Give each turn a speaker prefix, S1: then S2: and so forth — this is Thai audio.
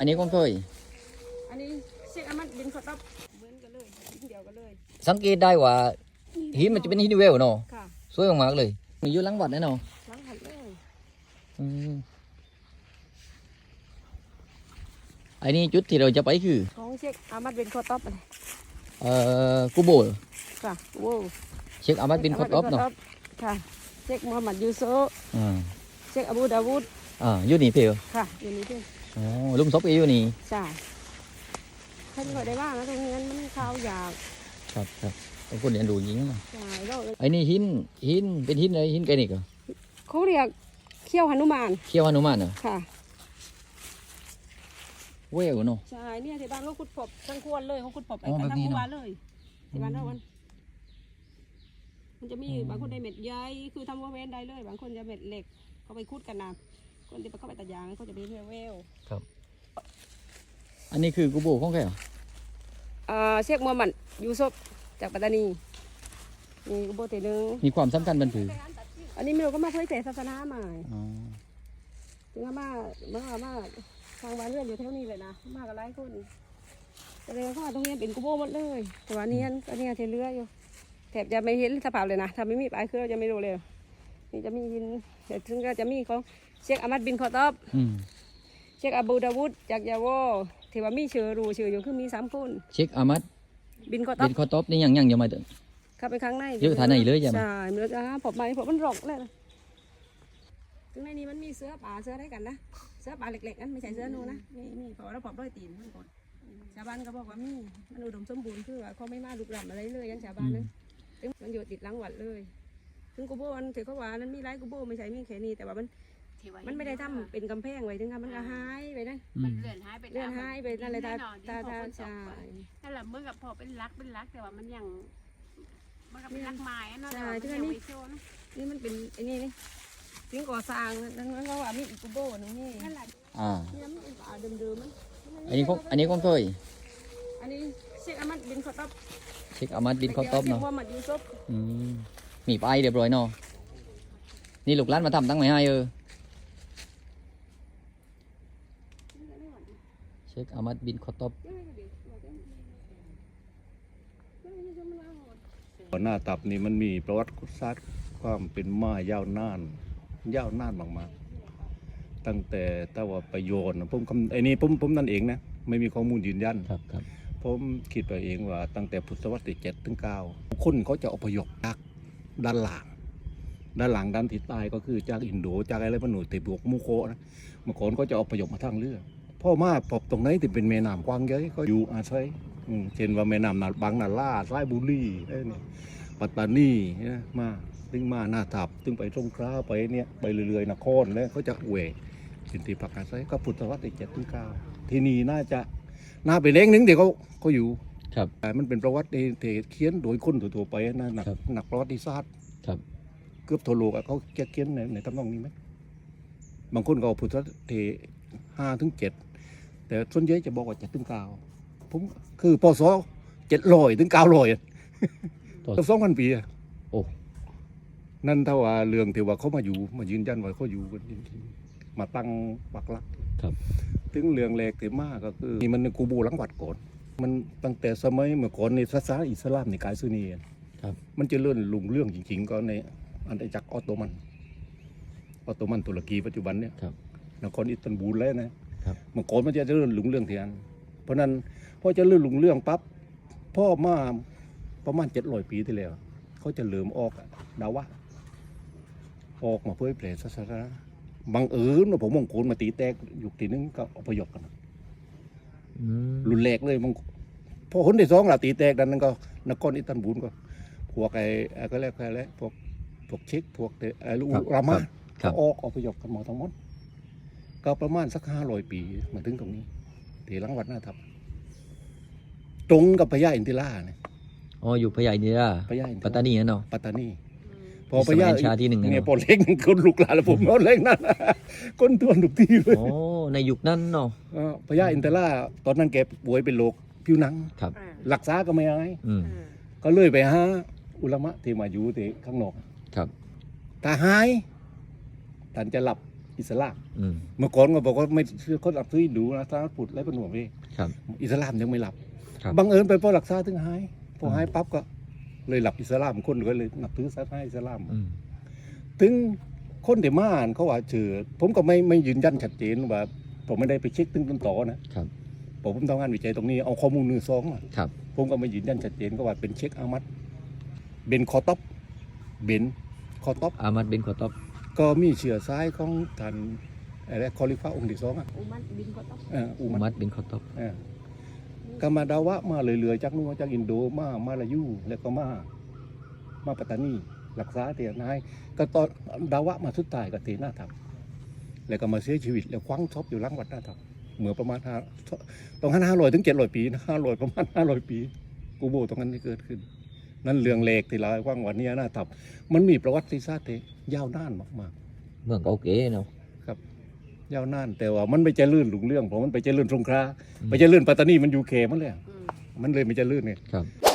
S1: อันนี้ก็เคย
S2: อันนี้เช็คอามัดบินขอตับเหมือนกันเลยเดียวกันเลย
S1: สังเกตได้ว่าหินมันจะเป็นหินเวลเนาะ
S2: ค่ะ
S1: สวยมากๆเลยมีอยู่หลังวัดแน่นอน
S2: หลังหันเลย
S1: อันนี้จุดที่เราจะไปคือ
S2: ของเช็คอามัดบินขอตับอะไร
S1: กูโบ
S2: ค่ะโว้
S1: เช็คอามัดบินคอตอบเนาะ
S2: ค่ะเช็คมูฮัมหมัดยูโซ
S1: อ่า
S2: เช็คอบูดาวูด
S1: อยู่นี่เพียว
S2: ค่ะอยู่นี่ด้วย
S1: อ๋อลุมศพอยู่นี่
S2: ใช่ท่านก็ได้บ้างนะตรงนี้มันข้าวยาก
S1: ครับเป็นคนเรียนรู้จริงนะ
S2: ใช่แล้ว
S1: ไอ้นี่หินเป็นหินอะไรหินแกนิกเหรอ
S2: เขาเรียกเขี้ยวหนุมาน
S1: เขี้ยวหนุมานเหรอ
S2: ค่ะ
S1: เวลเนาะ
S2: ใช่เนี่ยที่บ้านเขาขุดพบทั้งควรเลยเขาขุดพบไป
S1: อ๋อ
S2: กัน
S1: แบบ
S2: ทั้ง
S1: นี้
S2: ครัว
S1: เนาะ
S2: เลยที่บ้านเรามันจะมีบางคนได้เม็ดใหญ่คือทำว่าเว้นได้เลย บางคนจะเม็ดเล็กเขาไปขุดกันนะคนที่เขาไปตัดยางเขาจะเป็นเวล
S1: อันนี้คือกูโบของแกเหรอ
S2: เชคมูฮัมหมัดยูซุฟจากปัตตานีนี่ก็โบเตนึง
S1: มีความสำคัญบันถือ
S2: อันนี้ไม่รู้ก็มาเผยแผ่ศาสนาใหม่
S1: อ๋อ
S2: ถึงมาทางบ้านเรือนอยู่แถวนี้เลยนะมากับหลายคนแต่เลยเข้ามาตรงนี้เป็นกูโบหมดเลยแต่ว่านี้อันนี้เทเรืออยู่แถบจะไม่เห็นสภาพเลยนะถ้าไม่มีปลายคือเราจะไม่รู้เลยนี่จะมีหินแต่ถึงก็จะมีของเชคอามัดบินคอตอบเชคอาบูดาวุดจากยาโวที่ว่ามีชื่ออยู่คือมี3 คน
S1: เช็คอามัด
S2: บินคอตอ
S1: เป็
S2: บ
S1: นคอตอบนี่ยังยังมาถึง
S2: เข้าไปข้างใน
S1: เยอะฐานไหนเลยใช่ไหม
S2: ใช่เนื้อจะผมมาผมมันหลอกเลยถึงในนี้มันมีเสื้อป่าเสื้อได้กันนะเสื้อป่าเล็กๆนั่นไม่ใช่เสื้อนูนะนี่พอเราปอบด้วยตีนมันกดชาวบ้านก็บอกว่ามีมันอุดมสมบูรณ์คือว่าเขาไม่มาลุกล้ำอะไรเลยยันชาวบ้านนั้นถึงมันอยู่ติดหลังวัดเลยถึงกูโบมันถือเขาว่านั้นมีไรกูโบไม่ใช่มีแค่นี้แต่ว่ามันไม่ได้ทำเป็นกำแพงไว้ถึงมันก็หายไปนะ
S3: มันเลื่อนหายไป
S2: เลื่อนหายไปนั่นเลยตาใช่
S3: นั่นแหละเมื่อกับพอเป็นรักแต่ว่ามันยังมันก็เป็นรักไม้เนาะแต่ว่ามันยังไม่โชว์นะ
S2: นี่มันเป็นไอ้นี่ถึงก่อสร้างนั้นก็ว่ามีอีกกูโบนึงนี่
S3: นั่นแหละ
S2: นี่มันเป็นป่าเดิมๆมัน
S1: อันนี้ก็เคย
S2: อันนี้เช็คอามัดบินขอตับ
S1: เช็คอามัดบินคอตอบเนาะ
S2: เช็คว่ามัดยูซุฟ
S1: มีไปเรียบร้อยเนาะนี่ลูกหลานมาทำตั้งไม่ให้เช็คอามัดบินคอตอบ
S4: หน้าตับนี่มันมีประวัติศาสตร์ความเป็นมายาวนานมากๆตั้งแต่ว่าประโยชน์ผมไอ้นี่ผมนั่นเองนะไม่มีข้อมูลยืนยัน
S1: ครับ
S4: ผมคิดไปเองว่าตั้งแต่พุทธศตวรรษที่7 ถึง 9คนเขาจะอพยพจากด้านหลังด้านทิศใต้ก็คือจากอินโดจากอะไรพวกหนูติบวกมุโคะนะเมื่อก่อนก็จะอพยพมาทางเรือพ่อมาพบตรงไหนที่เป็นแม่น้ำกว้างใหญ่ก็อยู่อาศัยเช่นว่าแม่น้ำนาบางนาล่าสายบุรีปัตตานีนะมาถึงมาหน้าทับถึงไปสงขลาไปเนี่ยไปเรื่อยๆนครแล้วเขาจะเวเป็นที่พักอาศัยก็พุทธศตวรรษที่7 ถึง 9ที่นี่น่าไปเล้งนึงเดี๋ยวเขาอยู่
S1: ครับ
S4: แต่มันเป็นประวัติที่เขียนโดยคนทั่วๆไปนะนักประวัติศาสตร์
S1: ครับ
S4: เกือบทั่วโลกเขาเขียนในตำนองนี้ไหมบางคนก็เอาพุทธที่5 ถึง 7แต่ส่วนใหญ่จะบอกว่า7 ถึง 9ผมคือปศ700 ถึง 900 2,000 ปีอะ
S1: โอ้
S4: นั่นถ้าว่าเรื่องที่ว่าเขามายืนยันว่าเขาอยู่กันจริงๆมาตั้งปักหลัก
S1: ครับ
S4: ถึงเรื่องแรกที่มาก็คือนี่มันในกูโบหลังวัดก่อนมันตั้งแต่สมัยเมื่อก่อนในศาสนาอิสลามในกายซุนีมันจะเลื่อนลุงเรื่องจริงๆก็ในอาณาจักรออตโตมันตุรกีปัจจุบันเนี่ยนครอิสตันบูลแล้วนะเมื่อก่อนมันจะเลื่อนลุงเรื่องเทียนเพราะนั้นพอจะเลื่อนลุงเรื่องปั๊บพ่อมาประมาณ700 ปีที่แล้วเขาจะเริ่มออกดาวะออกมาเผยแผ่ศาสนาบังเอิญว่าผมมงคลมาตีแตกอยู่ทีนึงก็อพยพกันรุนแรงเลยมันพอคนที่2ล่ะตีแตกดันนั้นก็นครอิสตันบูลก็พวกไอ้ก็แล้วพวกเช็กพวกลูกรามาก็อพยพกันหมดทั้งหมดก็ประมาณสัก500 ปีมาถึงตรงนี้ที่หลังวัดหน้าทับตรงกับพญาอินทิราเนี่ย
S1: อยู่พญาอินทราปัตตานีนั่นเนาะ
S4: ปัตตานีพอพญา
S1: ชาที่หนึ่ง
S4: เนี่ยพอเล็กคนลุกหลานแล้วผมเอาเล็กนั่นคนตัวลุกที่เลย
S1: ในยุคนั้นเนาะ
S4: พญาอินทราตอนนั้นแกป่วยเป็นโรคผิวหนังรักษาก็ไม่หายก็เลยไปหาอุลามะที่มาอยู่ที่ข้างนอกถ้าหายท่านจะหลับอิสลาม
S1: อืม
S4: เมื่อก่อนก็บอกว่าไม่เชื่อคนรับซื้อดูนะถ้าพุทธและเป็นหน่วยเอง
S1: ครับ
S4: อิสลามยังไม่รับ
S1: ครับ
S4: บังเอิญไปพอรักษาถึงหายพอหายปั๊บก็เลยหลับอิสลามคนก็เลยนับถือศาสนาอิสลาม
S1: อืม
S4: ถึงคนที่มาอ่านเขาว่าเชื่อผมก็ไม่ยืนยันชัดเจนว่าผมไม่ได้ไปเช็คตึ้งต้นต่อนะครับ ผมทำงานวิจัยตรงนี้เอาข้อมูล1-2มา
S1: ครับ
S4: ผมก็ไม่ยืนยันชัดเจนก็ว่าเป็นเช็คอามัดเบนคอตอปเบนคอตอป
S1: อามัดบินคอตอบ
S4: ก็มีเชื้อสายของท่านอะไรคอลิฟ้าองค์ที่2อ่ะ
S2: อุมันบินก็ต้อง
S4: อุ
S1: อา
S4: มั
S1: มั
S4: ด
S1: ดบินคอตอบ
S4: ก็มาดาวะมาเรื่อยๆจากนู้นจากอินโดมาลายูแล้วก็มาปัตตานีรักษาเตียนายก็ตอนดาวะมาสุดท้ายก็เตหน้าทับแล้วก็มาเสียชีวิตแล้วคว้างทบอยู่หลังวัดหน้าทับเหมือนประมาณต้อง500 ถึง 700 ปีนะ500ประมาณ500 ปีกูโบตรงนั้นที่เกิดขึ้น นั่นเรื่องเลขที่เราคว้างวันนี้หน้าทับมันมีประวัติศาสตร์ที่ยาวนานมาก
S1: เมืองเก่าเก๋เนาะ
S4: ๆยาวนานแต่ว่ามันไม่เจริญรุ่งเรื่องเพราะมันไปเจริญสงขลาไปเจริญปัตตานีมันอยู่เขมันเลย
S2: อืม
S4: มันเลยไม่เจริญไง
S1: ครับ